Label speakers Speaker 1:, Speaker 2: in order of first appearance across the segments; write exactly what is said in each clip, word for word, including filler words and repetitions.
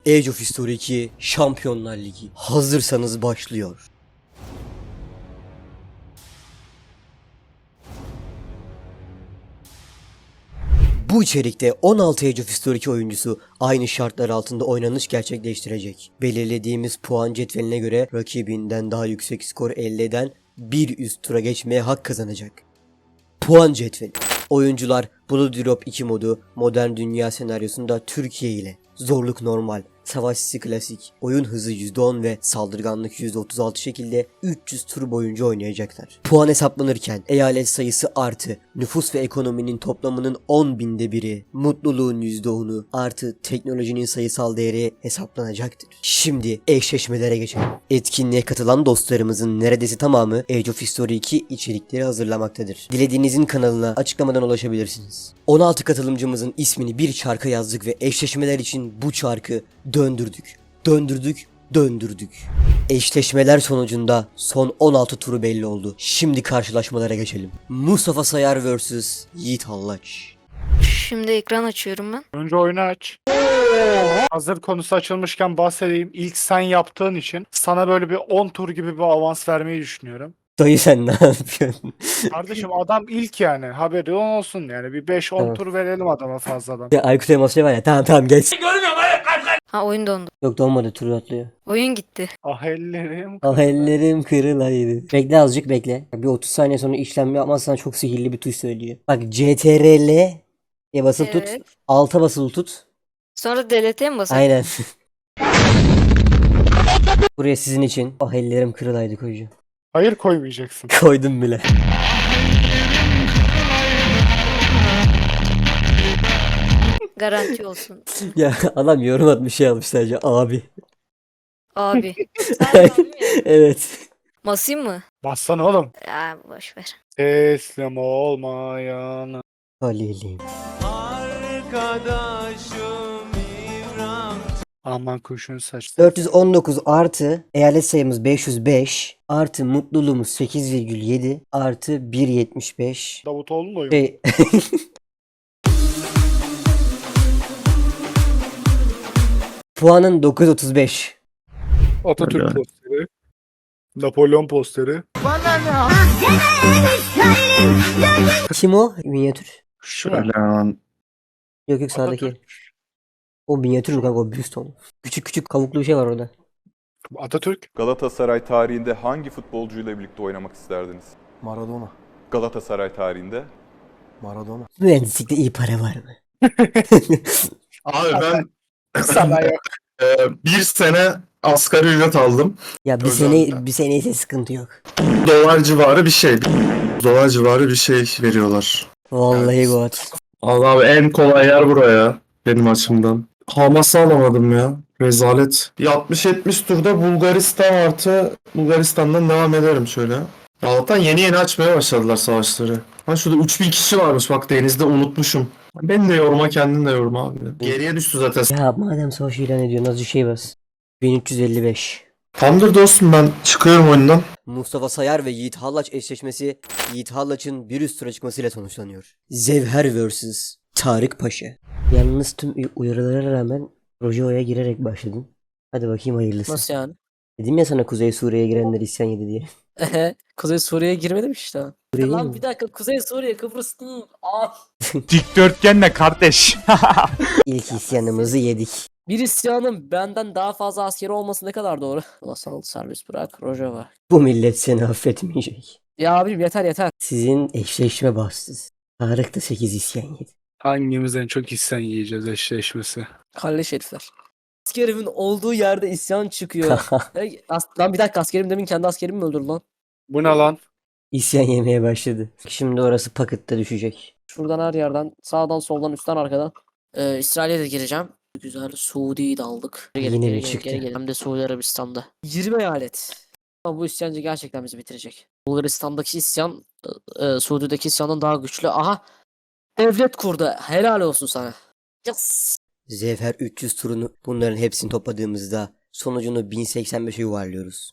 Speaker 1: Age of History iki Şampiyonlar Ligi. Hazırsanız başlıyor. Bu içerikte on altı Age of History iki oyuncusu aynı şartlar altında oynanış gerçekleştirecek. Belirlediğimiz puan cetveline göre rakibinden daha yüksek skor elde eden bir üst tura geçmeye hak kazanacak. Puan cetveli. Oyuncular Blood Drop iki modu modern dünya senaryosunda Türkiye ile zorluk normal, savaş sisi klasik, oyun hızı yüzde on ve saldırganlık yüzde otuz altı şekilde üç yüz tur boyunca oynayacaklar. Puan hesaplanırken eyalet sayısı artı nüfus ve ekonominin toplamının on binde biri, mutluluğun yüzde onu artı teknolojinin sayısal değeri hesaplanacaktır. Şimdi eşleşmelere geçelim. Etkinliğe katılan dostlarımızın neredeyse tamamı Age of History iki içerikleri hazırlamaktadır. Dilediğinizin kanalına açıklamadan ulaşabilirsiniz. on altı katılımcımızın ismini bir çarka yazdık ve eşleşmeler için bu çarkı döndürdük, döndürdük, döndürdük. Eşleşmeler sonucunda son on altı turu belli oldu. Şimdi karşılaşmalara geçelim. Mustafa Sayar vs Yiğit Hallaç.
Speaker 2: Şimdi ekran açıyorum ben.
Speaker 3: Önce oyunu aç. Hazır konusu açılmışken bahsedeyim. İlk sen yaptığın için sana böyle bir on tur gibi bir avans vermeyi düşünüyorum.
Speaker 1: Dayı sen ne yapıyorsun?
Speaker 3: Kardeşim adam ilk yani. Haberi olsun yani. Bir beş on
Speaker 1: Tamam.
Speaker 3: tur verelim adama fazladan.
Speaker 1: Ya Aykut Elmas şey var ya, tamam tamam geç.
Speaker 2: Ha, oyun dondu.
Speaker 1: Yok donmadı, turu atlıyor.
Speaker 2: Oyun gitti.
Speaker 3: Ah ellerim.
Speaker 1: Ah ellerim kırılaydı. Bekle azıcık bekle. Bir otuz saniye sonra işlem yapmazsan çok sihirli bir tuş söylüyor. Bak C T R L'ye basılı tut.
Speaker 2: Evet.
Speaker 1: Alta basılı tut.
Speaker 2: Sonra delet'e mi basalım?
Speaker 1: Aynen. Buraya sizin için ah ellerim kırılaydı koyacağım.
Speaker 3: Hayır koymayacaksın.
Speaker 1: Koydum bile.
Speaker 2: Garanti olsun.
Speaker 1: Ya adam yorum atmış, şey almış sadece abi.
Speaker 2: Abi. Sen abi mi?
Speaker 1: Evet.
Speaker 2: Basayım mı?
Speaker 3: Bassana oğlum.
Speaker 2: Ya boş ver.
Speaker 3: Teslim olmayan.
Speaker 1: Halilim.
Speaker 3: Aman kuşun saçları.
Speaker 1: dört yüz on dokuz artı eyalet sayımız beş yüz beş artı mutluluğumuz sekiz virgül yedi artı bir virgül yetmiş beş.
Speaker 3: Davutoğlu'nun oyunu.
Speaker 1: Şey... Puanın dokuz yüz otuz beş.
Speaker 3: Atatürk
Speaker 4: Öyle.
Speaker 3: posteri. Napolyon posteri.
Speaker 1: Kim o? Minyatür.
Speaker 3: Şu var.
Speaker 4: Şöyle hemen
Speaker 1: Yok yok sağdaki.
Speaker 3: Atatürk.
Speaker 1: O minyatür kanka, o büst onu. Küçük küçük kavuklu bir şey var orada.
Speaker 3: Atatürk.
Speaker 5: Galatasaray tarihinde hangi futbolcuyla birlikte oynamak isterdiniz?
Speaker 6: Maradona.
Speaker 5: Galatasaray tarihinde.
Speaker 6: Maradona.
Speaker 1: Mühendislikte iyi para var mı?
Speaker 4: Abi ben
Speaker 3: Sana yok.
Speaker 4: e, bir sene asgari ücret aldım.
Speaker 1: Ya bir
Speaker 4: Öyle
Speaker 1: sene
Speaker 4: abi.
Speaker 1: bir sene ise sıkıntı yok.
Speaker 4: Dolar civarı bir şey. Dolar civarı bir şey veriyorlar.
Speaker 1: Vallahi
Speaker 4: Evet.
Speaker 1: God.
Speaker 4: Allah abi en kolay yer buraya benim açımdan. Hamas'ı alamadım ya. Rezalet. Bir altmış yetmiş turda Bulgaristan artı Bulgaristan'dan devam ederim şöyle. Allah'tan yeni yeni açmaya başladılar savaşları. Ha şurada üç bin kişi varmış bak denizde, unutmuşum. Beni de yorma, kendin de yorma abi. Geriye düştü zaten.
Speaker 1: Ya madem savaş ilan ediyorsun azıcık şey bas. bin üç yüz elli beş.
Speaker 4: Tamamdır dostum, ben çıkıyorum oyundan.
Speaker 1: Mustafa Sayar ve Yiğit Hallaç eşleşmesi Yiğit Hallaç'ın bir üst tura çıkmasıyla sonuçlanıyor. Zevher vs Tarık Paşa. Yalnız tüm uyarılara rağmen Rojo'ya girerek başladın. Hadi bakayım hayırlısı.
Speaker 7: Nasıl yani?
Speaker 1: Dedim ya sana Kuzey Suriye'ye girenler isyan yedi diye.
Speaker 7: Ehe, Kuzey Suriye'ye girmedim işte.
Speaker 1: Suriye
Speaker 7: Lan
Speaker 1: mi?
Speaker 7: bir dakika, Kuzey Suriye Kıbrıs'ın ah.
Speaker 3: Dikdörtgen ne kardeş?
Speaker 1: İlk isyanımızı yedik.
Speaker 7: Bir isyanın benden daha fazla askeri olması ne kadar doğru? Ulusal serbest bırak Rojava.
Speaker 1: Bu millet seni affetmeyecek.
Speaker 7: Ya abim yeter yeter.
Speaker 1: Sizin eşleşme bahtsız. Tarık da sekiz isyan yedi.
Speaker 3: Hangimiz en çok isyan yiyeceğiz eşleşmesi?
Speaker 7: Kalleş herifler. Askerimin olduğu yerde isyan çıkıyor. Ey, as- lan bir dakika, askerim demin kendi askerimi mi öldürdü lan?
Speaker 3: Bu ne lan?
Speaker 1: İsyan yemeye başladı. Şimdi orası pakette düşecek.
Speaker 7: Şuradan her yerden, sağdan soldan üstten arkadan. Ee, İsrail'e de gireceğim. Güzel, Suudi'yi de aldık. Geri
Speaker 1: Yine
Speaker 7: geri
Speaker 1: mi
Speaker 7: geri
Speaker 1: çıktı?
Speaker 7: geri geri. Hem de Suudi Arabistan'da. yirmi eyalet. Ama bu isyancı gerçekten bizi bitirecek. Bulgaristan'daki isyan e, Suudi'deki isyandan daha güçlü. Aha! Devlet kurdu. Helal olsun sana. Yes.
Speaker 1: Zevher üç yüz turunu bunların hepsini topladığımızda sonucunu bin seksen beşe yuvarlıyoruz.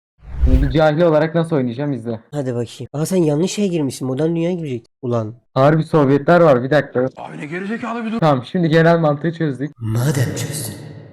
Speaker 8: Bir cahil olarak nasıl oynayacağım izle.
Speaker 1: Hadi bakayım. Aa sen yanlış şeye girmişsin. Modern dünyaya girecek. Ulan.
Speaker 8: Harbi Sovyetler var, bir dakika. Abi ne gerizekalı bir dur. Tamam, şimdi genel mantığı çözdük.
Speaker 1: Madem çözdün.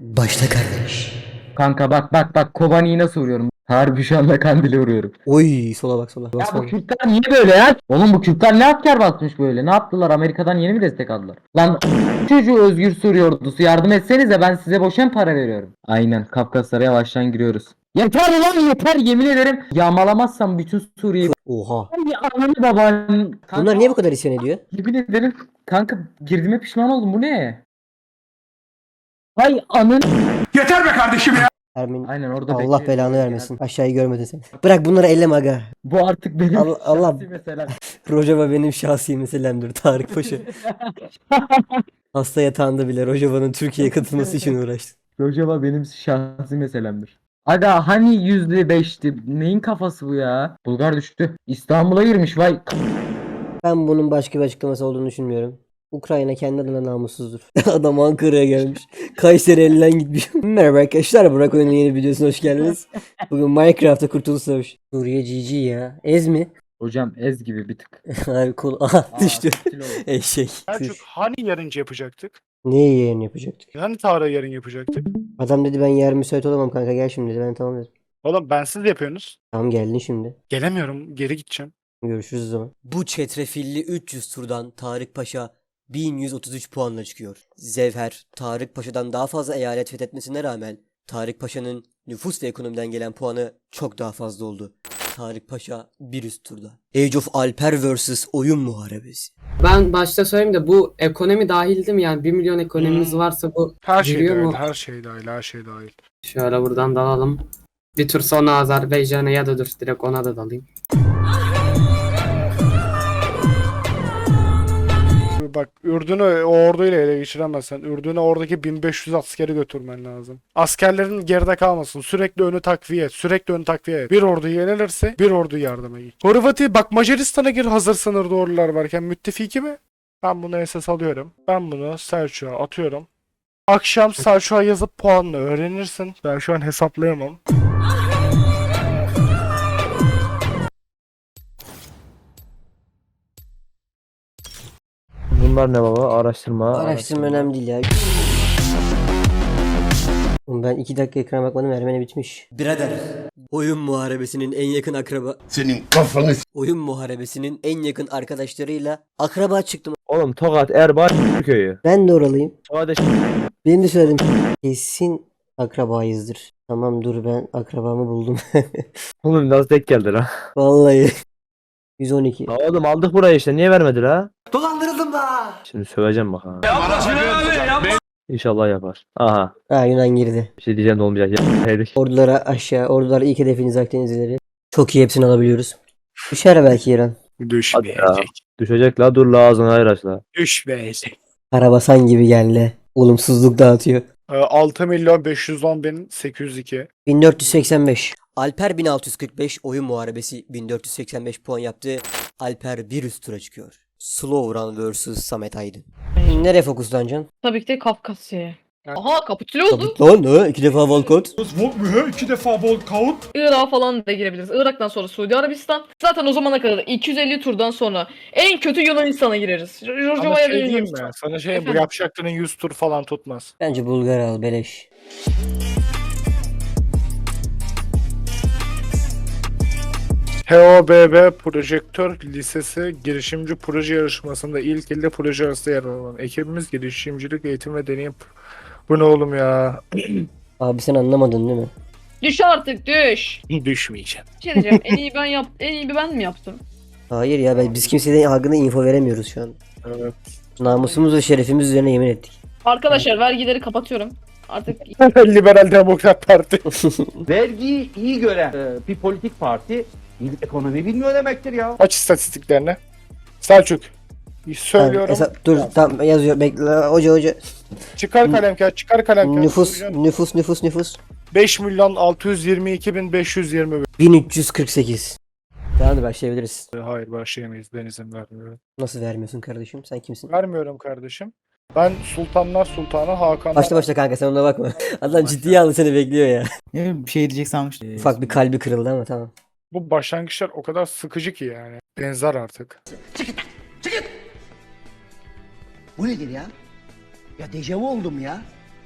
Speaker 1: Başla kardeş.
Speaker 8: Kanka bak bak bak Kobani'yi nasıl vuruyorum? Harbi şu anda Kandil'i vuruyorum.
Speaker 1: Oy sola bak sola.
Speaker 8: Ya
Speaker 1: Basma.
Speaker 8: bu Kürtler niye böyle ya? Oğlum bu Kürtler ne asker basmış böyle? Ne yaptılar? Amerika'dan yeni mi destek aldılar? Lan çocuğu Özgür Suriye ordusu yardım etsenize ben size boşa mı para veriyorum? Aynen Kafkaslara yavaştan giriyoruz. Yeter ulan yeter yemin ederim. Yağmalamazsam bütün Suriye'yi...
Speaker 1: Oha.
Speaker 8: Ay ananı babanın... Kanka,
Speaker 1: Bunlar niye bu kadar isyan ediyor?
Speaker 8: yemin ederim kanka girdiğime pişman oldum bu ne? Hay anın...
Speaker 1: Ermin.
Speaker 8: Aynen orada
Speaker 1: Allah
Speaker 8: bekliyorum.
Speaker 1: belanı vermesin. Aşağıyı görmedin sen. Bırak bunları elleme aga.
Speaker 8: Bu artık benim
Speaker 1: Allah- Allah-
Speaker 8: şahsi meselem.
Speaker 1: Rojava benim şahsi meselemdir Tarık Paşa. Hasta yatağında bile Rojava'nın Türkiye'ye katılması için uğraştı.
Speaker 8: Rojava benim şahsi meselemdir. Aga hani yüzde beşti? Neyin kafası bu ya? Bulgar düştü. İstanbul'a girmiş vay.
Speaker 1: Ben bunun başka bir açıklaması olduğunu düşünmüyorum. Ukrayna kendi adına namussuzdur. Adam Ankara'ya gelmiş. Kayseri elinden gitmiş. Merhaba arkadaşlar. Burak Oyun'un yeni videosuna hoş geldiniz. Bugün Minecraft'ta Kurtuluş Savaşı. Suriye G G ya. Ez mi?
Speaker 8: Hocam ez gibi bir tık.
Speaker 1: Abi kol. Aha düştü.
Speaker 8: Aa, kilo.
Speaker 1: Eşek.
Speaker 3: Selçuk
Speaker 1: Kuş.
Speaker 3: hani yarınca yapacaktık?
Speaker 1: Neyi yayın yapacaktık?
Speaker 3: Hani Tarık'ı yarın yapacaktık?
Speaker 1: Adam dedi ben yarın müsait olamam kanka gel şimdi dedi. Ben tamam dedim.
Speaker 3: Oğlum bensiz yapıyorsunuz.
Speaker 1: Tamam geldin şimdi.
Speaker 3: Gelemiyorum. Geri gideceğim.
Speaker 1: Görüşürüz o zaman. Bu çetrefilli üç yüz turdan Tarık Paşa bin yüz otuz üç puanla çıkıyor. Zevher, Tarık Paşa'dan daha fazla eyalet fethetmesine rağmen Tarık Paşa'nın nüfus ve ekonomiden gelen puanı çok daha fazla oldu. Tarık Paşa bir üst turda. Age of Alper vs Oyun Muharebesi.
Speaker 9: Ben başta söyleyeyim de bu ekonomi dahil değil mi? Yani bir milyon ekonomimiz
Speaker 3: Hmm.
Speaker 9: varsa bu
Speaker 3: Her şey
Speaker 9: giriyor
Speaker 3: dahil.
Speaker 9: mu?
Speaker 3: Her şey dahil. Her şey dahil.
Speaker 9: Şöyle buradan dalalım. Bir tur sonra Azerbaycan'a ya da dur direkt ona da dalayım.
Speaker 3: Bak Ürdün'ü o orduyla ele geçiremezsen Ürdün'e oradaki bin beş yüz askeri götürmen lazım. Askerlerin geride kalmasın. Sürekli önü takviye et. Sürekli önü takviye et. Bir ordu yenilirse bir ordu yardıma git. Horvati bak Macaristan'a gir hazır sınırda ordular varken müttefiki mi? Ben bunu esas alıyorum. Ben bunu Selçuk'a atıyorum. Akşam Selçuk'a yazıp puanını öğrenirsin. Ben şu an hesaplayamam.
Speaker 6: Bunlar ne baba? Araştırma.
Speaker 1: Araştırma önemli değil ya. Oğlum ben iki dakika ekrana bakmadım Ermeni bitmiş. Birader. Oyun muharebesinin en yakın akraba...
Speaker 10: Senin kafanı
Speaker 1: Oyun muharebesinin en yakın arkadaşlarıyla akraba çıktım.
Speaker 6: Oğlum Tokat, Erbaa, köyü.
Speaker 1: Ben de oralıyım.
Speaker 6: Tokat
Speaker 1: Benim de söyledim. Kesin akrabayızdır. Tamam dur ben akrabamı buldum.
Speaker 6: Oğlum nasıl denk geldi ha?
Speaker 1: Vallahi. yüz on iki.
Speaker 6: Oğlum aldık burayı işte niye vermedi ha?
Speaker 1: Dolandırıldım da.
Speaker 6: Şimdi söveceğim bak ha. İnşallah yapar. Aha.
Speaker 1: Ha Yunan girdi.
Speaker 6: Bir şey diyeceğim de olmayacak. Yedik.
Speaker 1: Ordulara aşağı. Ordular ilk hedefiniz Akdenizlileri. Çok iyi hepsini alabiliyoruz. Düşer belki İran.
Speaker 6: Hadi ya. Düşecek la dur la ağzını hayır aç la.
Speaker 3: Düşmeyecek.
Speaker 1: Karabasan gibi geldi. Olumsuzluk dağıtıyor.
Speaker 3: altı milyon beş yüz on bin sekiz yüz iki.
Speaker 1: bin dört yüz seksen beş. Alper bin altı yüz kırk beş oyun muharebesi bin dört yüz seksen beş puan yaptı. Alper bir üst tura çıkıyor. Slow Run vs Samet Aydın. Nereye fokuslanacaksın?
Speaker 11: Tabii ki de Kafkasya'ya.
Speaker 3: Evet.
Speaker 11: Aha kapitüle oldu.
Speaker 1: Lan ne? İki defa Volkot.
Speaker 3: İki defa bol kaut.
Speaker 11: Irak'a falan da girebiliriz. Irak'tan sonra Suudi Arabistan. Zaten o zamana kadar iki yüz elli turdan sonra en kötü Yunanistan'a gireriz.
Speaker 3: Sana
Speaker 11: Rojava'ya
Speaker 3: şey
Speaker 11: da
Speaker 3: diyeyim mi?
Speaker 11: Yunanistan.
Speaker 3: Sana şey bu
Speaker 11: Efendim?
Speaker 3: yapacakların yüz tur falan tutmaz.
Speaker 1: Bence Bulgar al beleş.
Speaker 3: H O B B Projektör Lisesi girişimci proje yarışmasında ilk ilde proje arasında yer alan ekibimiz girişimcilik eğitim ve deneyim. Bu ne oğlum ya?
Speaker 1: Abi sen anlamadın değil mi?
Speaker 11: Düş artık düş.
Speaker 3: Düşmeyeceğim.
Speaker 11: Bir şey diyeceğim. En iyi ben yap en iyi ben mi yaptım?
Speaker 1: Hayır ya ben, biz kimseye hakkında info veremiyoruz şu an.
Speaker 3: Evet.
Speaker 1: Namusumuz ve şerefimiz üzerine yemin ettik.
Speaker 11: Arkadaşlar vergileri kapatıyorum. Artık
Speaker 3: Liberal Demokrat Parti.
Speaker 10: vergiyi iyi gören e, bir politik parti ekonomi bilmiyor demektir ya.
Speaker 3: Aç istatistiklerini. Selçuk. Söylüyorum.
Speaker 1: Tamam, hesap- dur tamam yazıyor bekle hoca hoca.
Speaker 3: Çıkar kalem kağıt, çıkar kalem kağıt.
Speaker 1: Nüfus nüfus nüfus nüfus.
Speaker 3: beş milyon altı yüz yirmi iki bin beş yüz yirmi bir.
Speaker 1: bin üç yüz kırk sekiz. Tamam başlayabiliriz.
Speaker 3: Hayır başlayamayız. Ben izin vermiyorum.
Speaker 1: Nasıl vermiyorsun kardeşim? Sen kimsin?
Speaker 3: Vermiyorum kardeşim. Ben Sultanlar Sultanı Hakan.
Speaker 1: Başla başla kanka sen ona bakma. Adam ciddiye aldı seni bekliyor ya.
Speaker 12: Bir şey diyecek sanmıştım.
Speaker 1: Ufak bir kalbi kırıldı ama tamam.
Speaker 3: Bu başlangıçlar o kadar sıkıcı ki yani. Benzer artık.
Speaker 10: Bu nedir ya? Ya dejavu oldum ya.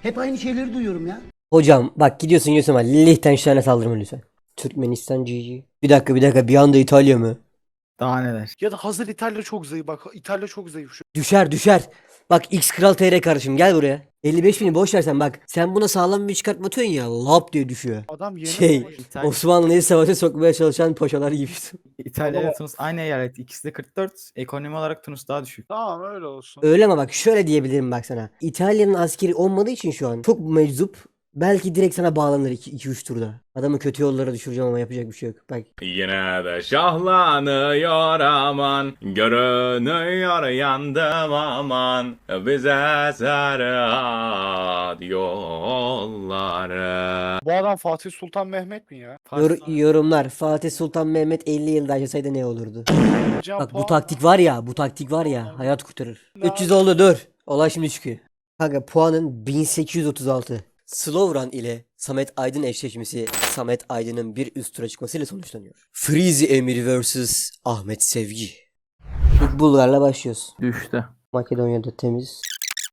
Speaker 10: Hep aynı şeyleri duyuyorum ya.
Speaker 1: Hocam bak gidiyorsun gidiyorsun ama Liechtenstein'e saldırma lütfen. Türkmenistan G G. Bir dakika bir dakika bir anda İtalya mı?
Speaker 6: Daha neler?
Speaker 3: Ya da hazır İtalya çok zayıf. Bak İtalya çok zayıf şu.
Speaker 1: Düşer düşer. Bak X Kral T R kardeşim gel buraya. elli beş bini boş versen bak. Sen buna sağlam bir çıkartma atıyorsun ya. Lap diye düşüyor.
Speaker 3: Adam yeni
Speaker 1: Şey
Speaker 3: savaş-
Speaker 1: Osmanlı'yı savaşa sokmaya çalışan paşalar gibi.
Speaker 6: İtalya
Speaker 3: ile
Speaker 6: ile Tunus aynı eyalet. İkisi de kırk dört. Ekonomi olarak Tunus daha düşük.
Speaker 3: Tamam öyle olsun.
Speaker 1: Öyle ama bak şöyle diyebilirim bak sana. İtalya'nın askeri olmadığı için şu an çok meczup. Belki direkt sana bağlanır iki üç turda. Adamı kötü yollara düşüreceğim ama yapacak bir şey yok. Bak
Speaker 5: Yine de şahlanıyor aman, görünüyor yandım aman, bize serhat yolları.
Speaker 3: Bu adam Fatih Sultan Mehmet mi ya?
Speaker 1: yor- yorumlar. Fatih Sultan Mehmet elli yılda yaşasaydı ne olurdu?
Speaker 3: Can
Speaker 1: Bak bu
Speaker 3: puan-
Speaker 1: taktik var ya, bu taktik var ya hayat kurtarır. üç yüz oldu dur. Olay şimdi çıkıyor. Kanka puanın bin sekiz yüz otuz altı. Slovran ile Samet Aydın eşleşmesi Samet Aydın'ın bir üst tura çıkmasıyla sonuçlanıyor. Freezy Emir vs Ahmet Sevgi. İlk Bulgar'la başlıyoruz.
Speaker 6: Düştü.
Speaker 1: Makedonya'da temiz.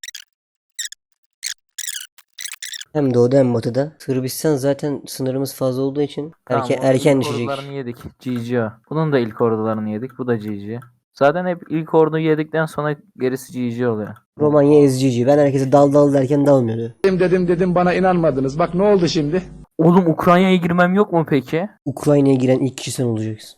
Speaker 1: Hem doğuda hem batıda. Sırbistan zaten sınırımız fazla olduğu için erken, erken düşecek.
Speaker 6: ordularını yedik. G G o. Bunun da ilk ordularını yedik. Bu da G G. Zaten hep ilk orduyu yedikten sonra gerisi G G oluyor.
Speaker 1: Romanya ezici. Ben herkese dal dal derken dalmıyordu.
Speaker 10: Dedim dedim dedim bana inanmadınız. Bak ne oldu şimdi?
Speaker 6: Oğlum Ukrayna'ya girmem yok mu peki?
Speaker 1: Ukrayna'ya giren ilk kişi sen olacaksın.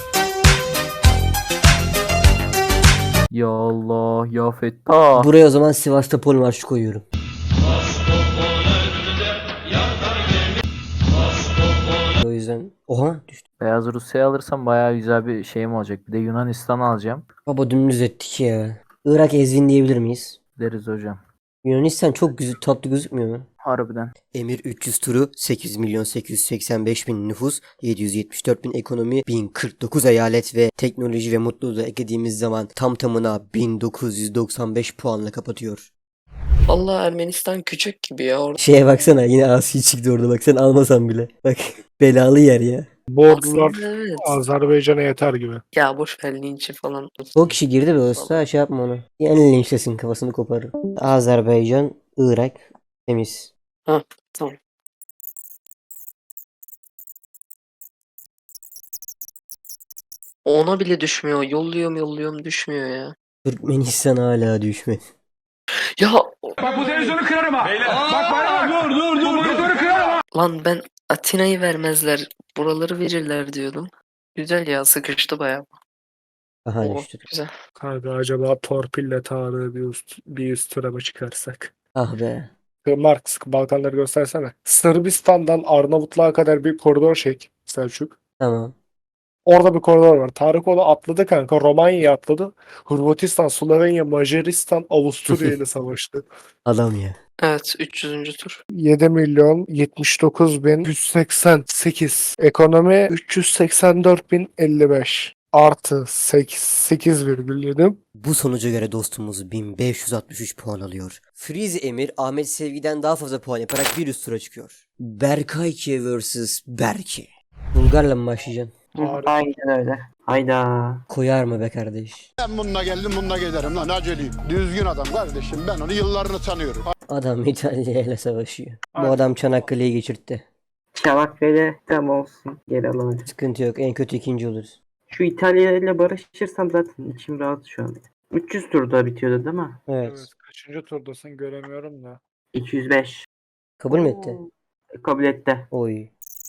Speaker 6: Ya Allah ya Fettah.
Speaker 1: Buraya o zaman Sivastopol marşı koyuyorum. O yüzden oha düştü.
Speaker 6: Beyaz Rusya'yı alırsam bayağı güzel bir şeyim olacak. Bir de Yunanistan alacağım.
Speaker 1: Baba dümdüz ettik ya. Irak ezvin diyebilir miyiz?
Speaker 6: Deriz hocam.
Speaker 1: Yunanistan çok güzel tatlı gözükmüyor mu?
Speaker 6: Harbiden.
Speaker 1: Emir üç yüz turu sekiz milyon sekiz yüz seksen beş bin nüfus, yedi yüz yetmiş dört bin ekonomi, bin kırk dokuz eyalet ve teknoloji ve mutluluğu da eklediğimiz zaman tam tamına bin dokuz yüz doksan beş puanla kapatıyor.
Speaker 7: Vallahi Ermenistan küçük gibi ya. Orada
Speaker 1: Şeye baksana yine Asi çıktı orada bak sen almasan bile. Bak belalı yer ya.
Speaker 3: Bu ordular
Speaker 7: evet.
Speaker 3: Azerbaycan'a yeter gibi.
Speaker 7: Ya boş ver linçi falan.
Speaker 1: O kişi girdi be usta şey yapma onu. Yani linçlesin kafasını koparır. Azerbaycan, Irak temiz.
Speaker 7: Ha tamam. Ona bile düşmüyor. Yolluyorum yolluyorum düşmüyor ya.
Speaker 1: Türkmenistan hala düşmedi.
Speaker 7: Ya
Speaker 10: Bak bu televizyonu kırarım ha. Bak bana bak. Dur dur dur. Bu televizyonu kırarım ha.
Speaker 7: lan ben Atina'yı vermezler. Buraları verirler diyordum. Güzel ya sıkıştı bayağı.
Speaker 1: Aha
Speaker 7: Oo,
Speaker 1: düştü.
Speaker 7: güzel.
Speaker 3: Kanka acaba torpille Tarık'ı bir üst, bir üst tura mı çıkarsak?
Speaker 1: Ah be.
Speaker 3: Marx Balkanları göstersene. Sırbistan'dan Arnavutluğa kadar bir koridor çek Selçuk.
Speaker 1: Tamam.
Speaker 3: Orada bir koridor var. Tarık onu atladı kanka. Romanya'yı atladı. Hırvatistan, Slovenya, Macaristan, Avusturya ile savaştı.
Speaker 1: Adam ya.
Speaker 7: Evet üç yüzüncü tur.
Speaker 3: yedi milyon yetmiş dokuz bin yüz seksen sekiz. Ekonomi üç yüz seksen dört bin elli beş. Artı sekiz virgül yedi.
Speaker 1: Bu sonuca göre dostumuz bin beş yüz altmış üç puan alıyor. Freeze Emir Ahmet Sevgi'den daha fazla puan yaparak bir üst tura çıkıyor. Berkayki vs Berke. Bulgar'la mı başlayacaksın?
Speaker 9: Aynen öyle. Hayda.
Speaker 1: Koyar mı be kardeş?
Speaker 10: Ben bununla geldim bununla giderim lan aceleyim. Düzgün adam kardeşim ben onu yıllarını tanıyorum.
Speaker 1: Adam İtalya ile savaşıyor. Bu
Speaker 3: Aynen.
Speaker 1: adam Çanakkale'yi geçirtti.
Speaker 9: Çanakkale tam olsun. Geri alalım.
Speaker 1: Sıkıntı yok. En kötü ikinci oluruz.
Speaker 9: Şu İtalya ile barışırsam zaten içim rahat şu an. üç yüz turda bitiyordu değil mi?
Speaker 1: Evet.
Speaker 3: Evet, kaçıncı turdasın göremiyorum da.
Speaker 9: iki yüz beş.
Speaker 1: Kabul mü etti?
Speaker 9: Kabul etti.
Speaker 1: Oy.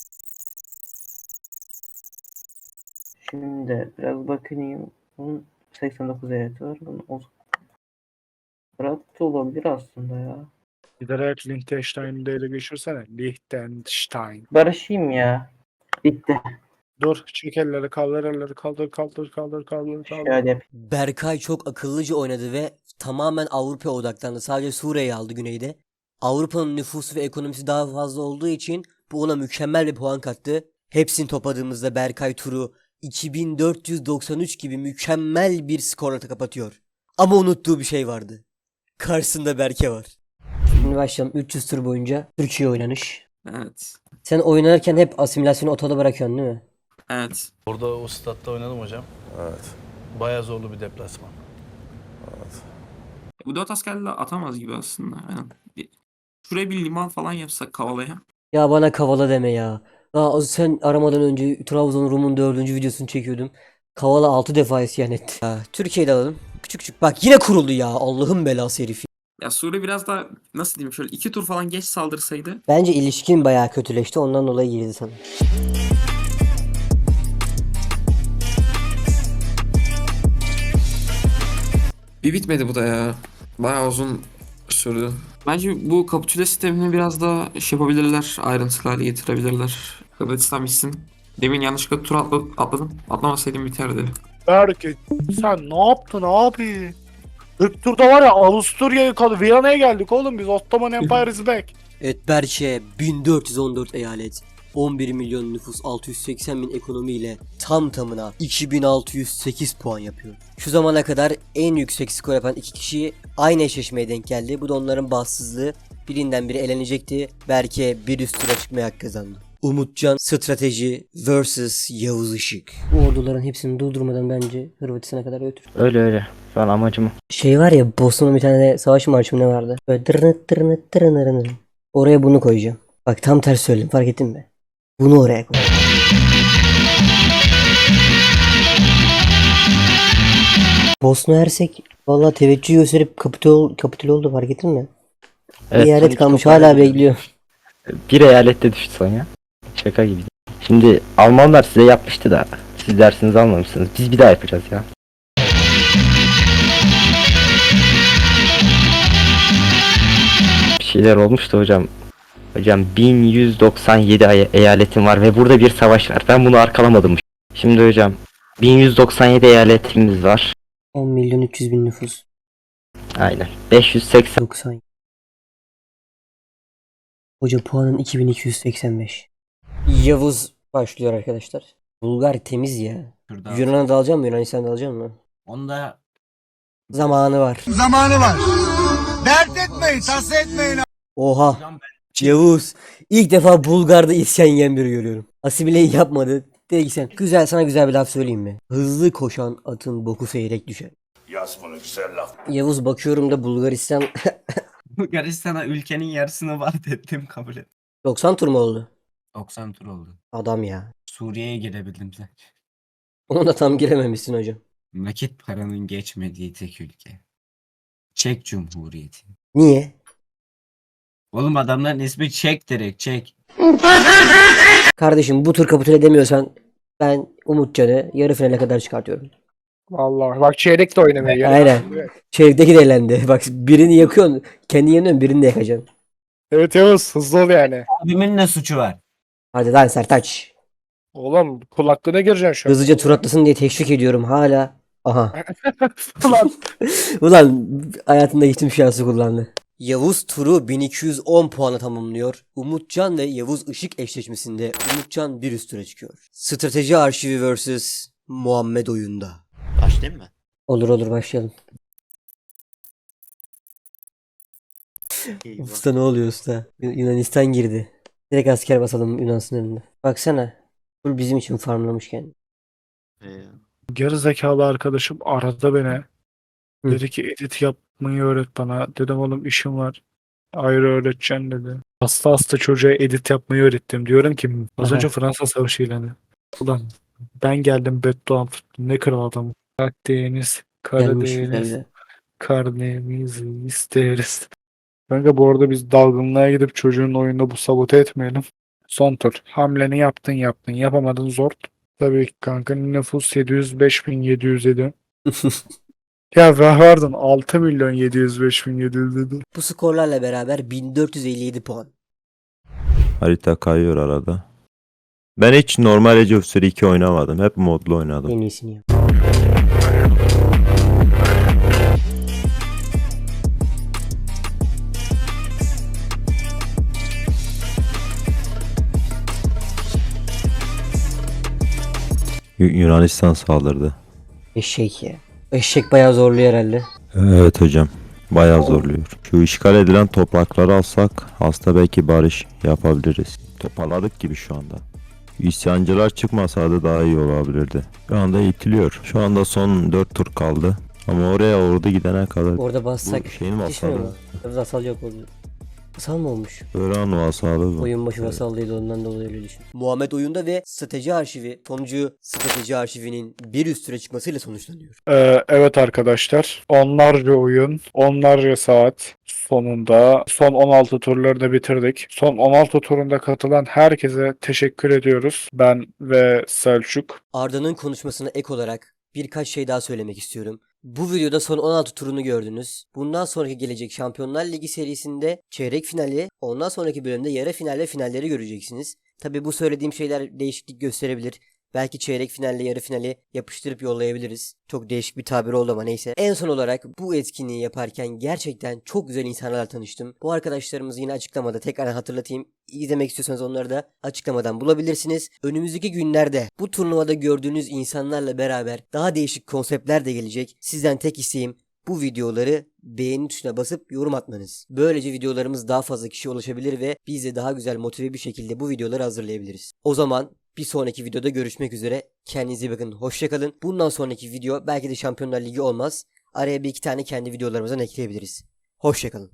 Speaker 9: Şimdi biraz bakayım. Bunun seksen dokuz eyaleti var. Bunun o rahat olabilir aslında ya.
Speaker 3: Giderek Liechtenstein'i de ele geçirsene. Liechtenstein.
Speaker 9: Barışayım ya. Bitti.
Speaker 3: Dur çek elleri kaldır elleri kaldır kaldır kaldır kaldır kaldır.
Speaker 9: Şöyle yapayım.
Speaker 1: Berkay çok akıllıca oynadı ve tamamen Avrupa'ya odaklandı. Sadece Suriye'yi aldı güneyde. Avrupa'nın nüfusu ve ekonomisi daha fazla olduğu için bu ona mükemmel bir puan kattı. Hepsini topladığımızda Berkay turu iki bin dört yüz doksan üç gibi mükemmel bir skorla kapatıyor. Ama unuttuğu bir şey vardı. Karşısında Berke var. Şimdi başlayalım. üç yüz tur boyunca Türkiye oynanış.
Speaker 9: Evet.
Speaker 1: Sen oynarken hep asimilasyonu otoda bırakıyorsun değil mi?
Speaker 9: Evet.
Speaker 12: Orada o statta oynadım hocam.
Speaker 4: Evet.
Speaker 12: Bayağı zorlu bir deplasman.
Speaker 9: Bu dört askerle atamaz gibi aslında. Aynen.
Speaker 13: Şuraya bir liman falan yapsak Kavala'ya.
Speaker 1: Ya bana Kavala deme ya. Daha sen aramadan önce Trabzon Rum'un dördüncü videosunu çekiyordum. Kavala altı defa isyan etti. Ya, Türkiye'de alalım. Küçük küçük. Bak yine kuruldu ya. Allah'ın belası herif.
Speaker 13: Ya Suriye biraz daha nasıl diyeyim şöyle iki tur falan geç saldırsaydı.
Speaker 1: Bence ilişkin bayağı kötüleşti. Ondan dolayı girdi sana.
Speaker 13: Bir bitmedi bu da ya. Bayağı uzun sürdü. Bence bu kapitüle sistemini biraz daha şey yapabilirler. Ayrıntılı hale getirebilirler. Hırvatistan bitsin. Demin yanlışlıkla tur atla, atladım. Atlamasaydım biterdi.
Speaker 3: Berke sen ne yaptın abi? İlk turda var ya Avusturya'yı kaldı. Viyana'ya geldik oğlum biz. Ottoman Empire is back.
Speaker 1: Evet Berçe bin dört yüz on dört eyalet. on bir milyon nüfus, altı yüz seksen bin ekonomi ile tam tamına iki bin altı yüz sekiz puan yapıyor. Şu zamana kadar en yüksek skor yapan iki kişi aynı eşleşmeye denk geldi. Bu da onların bahtsızlığı. Birinden biri elenecekti. Berke bir üst tura çıkmaya hak kazandı. Umutcan strateji versus Yavuz Işık. Bu orduların hepsini durdurmadan bence Hırvatistan'a kadar götür.
Speaker 6: Öyle öyle. Şu an amacım o.
Speaker 1: Şey var ya Bosna'nın bir tane savaş marşı mı ne vardı? Böyle dırnıt dırnıt dırnırınır. Oraya bunu koyacağım. Bak tam ters söyledim fark ettin mi? Bunu oraya koy. Bosna Hersek vallahi teveccüh gösterip kapitül, kapitül oldu fark ettin mi?
Speaker 6: Evet,
Speaker 1: Bir eyalet
Speaker 6: son
Speaker 1: kalmış
Speaker 6: iki
Speaker 1: hala
Speaker 6: toparladı.
Speaker 1: bekliyor.
Speaker 6: Bir eyalette düştü son ya. Şaka gibi. Şimdi Almanlar size yapmıştı da siz dersinizi almamışsınız. Biz bir daha yapacağız ya. Bir şeyler olmuştu hocam. Hocam bin yüz doksan yedi ay- eyaletim var ve burada bir savaş var. Ben bunu arkalamadım. Şimdi hocam bin yüz doksan yedi eyaletimiz var.
Speaker 1: on milyon üç yüz bin nüfus.
Speaker 6: Aynen. beş yüz seksen.
Speaker 1: doksan. Hoca puanın iki bin iki yüz seksen beş. Yavuz başlıyor arkadaşlar. Bulgar temiz ya. Yunan'a da alacağım mı? Yunanistan'a da alacağım mı?
Speaker 10: Onda
Speaker 1: Zamanı var.
Speaker 10: zamanı var. Dert etmeyin, tasa etmeyin.
Speaker 1: Oha. Yavuz. İlk defa Bulgar'da isyan yiyen biri görüyorum. Asimileyi yapmadı. Dedi ki sen. Güzel sana güzel bir laf söyleyeyim mi? Hızlı koşan atın boku seyrek düşer.
Speaker 10: Yaz bunu güzel laf.
Speaker 1: Yavuz bakıyorum da Bulgaristan
Speaker 10: Bulgaristan'a ülkenin yarısını var dedim kabul et.
Speaker 1: doksan tur mu oldu?
Speaker 10: doksan tur oldu.
Speaker 1: Adam ya.
Speaker 10: Suriye'ye girebildim sen.
Speaker 1: Onu da tam girememişsin hocam.
Speaker 10: Nakit paranın geçmediği tek ülke. Çek Cumhuriyeti.
Speaker 1: Niye?
Speaker 10: Oğlum adamların ismi Çek direkt Çek.
Speaker 1: Kardeşim bu tur kapitüle edemiyorsan ben Umutcan'ı yarı finale kadar çıkartıyorum.
Speaker 3: Vallahi bak çeyrek de oynamıyor. Yani.
Speaker 1: Aynen. Çeyrekteki de elendi. Bak birini yakıyorsun. Kendi yanıyorsun birini de yakacaksın.
Speaker 3: Evet Yavuz hızlı ol yani.
Speaker 10: Abimin ne suçu var?
Speaker 1: Hadi lan Sertaç.
Speaker 3: Oğlum kulaklığına gireceksin şu an.
Speaker 1: Hızlıca tur atlasın diye teşvik ediyorum hala. Aha.
Speaker 3: Ulan.
Speaker 1: Ulan hayatında hiç bir şansı kullandı. Yavuz turu bin iki yüz on puana tamamlıyor. Umutcan ve Yavuz Işık eşleşmesinde Umutcan bir üst tura çıkıyor. Strateji arşivi versus Muhammed oyunda.
Speaker 10: Başlayayım mı?
Speaker 1: Olur olur başlayalım. Usta ne oluyor usta? Yu- Yunanistan girdi. Direkt asker basalım Yunan sınırında. Baksana. Full bizim için farmlamış kendini.
Speaker 3: Geri zekalı arkadaşım aradı beni.
Speaker 1: Hı.
Speaker 3: Dedi ki edit yapmayı öğret bana. Dedim oğlum işim var. Ayrı öğreteceksin dedi. Hasta hasta çocuğa edit yapmayı öğrettim. Diyorum ki az
Speaker 1: Aha.
Speaker 3: önce Fransa Savaşı ilanı. Ulan ben geldim bedduam tuttum. Ne kral adamım. Akdeniz,
Speaker 1: Gelmiş
Speaker 3: Karadeniz,
Speaker 1: güzel.
Speaker 3: Karnemizi isteriz. Kanka bu arada biz dalgınlığa gidip çocuğun oyunda bu sabote etmeyelim. Son tur. Hamleni yaptın yaptın. Yapamadın zor. Tabii ki kanka nüfus yedi yüz beş bin yedi yüz yedi. Ya pardon altı milyon yedi yüz beş bin yedi yüz yedi.
Speaker 1: Bu skorlarla beraber bin dört yüz elli yedi puan.
Speaker 14: Harita kayıyor arada. Ben hiç normal Age of Story iki oynamadım. Hep modlu oynadım.
Speaker 1: En iyisini yap.
Speaker 14: Yu- Yunanistan saldırdı.
Speaker 1: Eşek ya. Eşek bayağı zorluyor herhalde.
Speaker 14: Evet hocam. Bayağı zorluyor. Şu işgal edilen toprakları alsak hasta belki barış yapabiliriz. Toparladık gibi şu anda. İsyancılar çıkmasaydı daha iyi olabilirdi. Şu anda itiliyor. Şu anda son dört tur kaldı. Ama oraya ordu gidene kadar
Speaker 1: Orada bassak
Speaker 14: bu şeyin
Speaker 1: yetişmiyor
Speaker 14: vassalı.
Speaker 1: mu? Tabii vasal yok orada. Vasal mı olmuş?
Speaker 14: Öğren vasalı bu.
Speaker 1: Oyun başı vasallıydı, ondan dolayı öyle düşün. Muhammed oyunda ve strateji arşivi sonucu strateji arşivinin bir üst tura çıkmasıyla sonuçlanıyor.
Speaker 3: Ee, evet arkadaşlar. Onlarca oyun, onlarca saat sonunda son on altı turlarını bitirdik. Son on altı turunda katılan herkese teşekkür ediyoruz. Ben ve Selçuk.
Speaker 1: Arda'nın konuşmasına ek olarak birkaç şey daha söylemek istiyorum. Bu videoda son on altı turunu gördünüz. Bundan sonraki gelecek Şampiyonlar Ligi serisinde çeyrek finali, ondan sonraki bölümde yarı final ve finalleri göreceksiniz. Tabi bu söylediğim şeyler değişiklik gösterebilir. Belki çeyrek finalle yarı finali yapıştırıp yollayabiliriz. Çok değişik bir tabir oldu ama neyse. En son olarak bu etkinliği yaparken gerçekten çok güzel insanlarla tanıştım. Bu arkadaşlarımızı yine açıklamada tekrar hatırlatayım. İzlemek istiyorsanız onları da açıklamadan bulabilirsiniz. Önümüzdeki günlerde bu turnuvada gördüğünüz insanlarla beraber daha değişik konseptler de gelecek. Sizden tek isteğim bu videoları beğeni tuşuna basıp yorum atmanız. Böylece videolarımız daha fazla kişiye ulaşabilir ve biz de daha güzel motive bir şekilde bu videoları hazırlayabiliriz. O zaman bir sonraki videoda görüşmek üzere. Kendinize iyi bakın. Hoşça kalın. Bundan sonraki video belki de Şampiyonlar Ligi olmaz. Araya bir iki tane kendi videolarımızdan ekleyebiliriz. Hoşça kalın.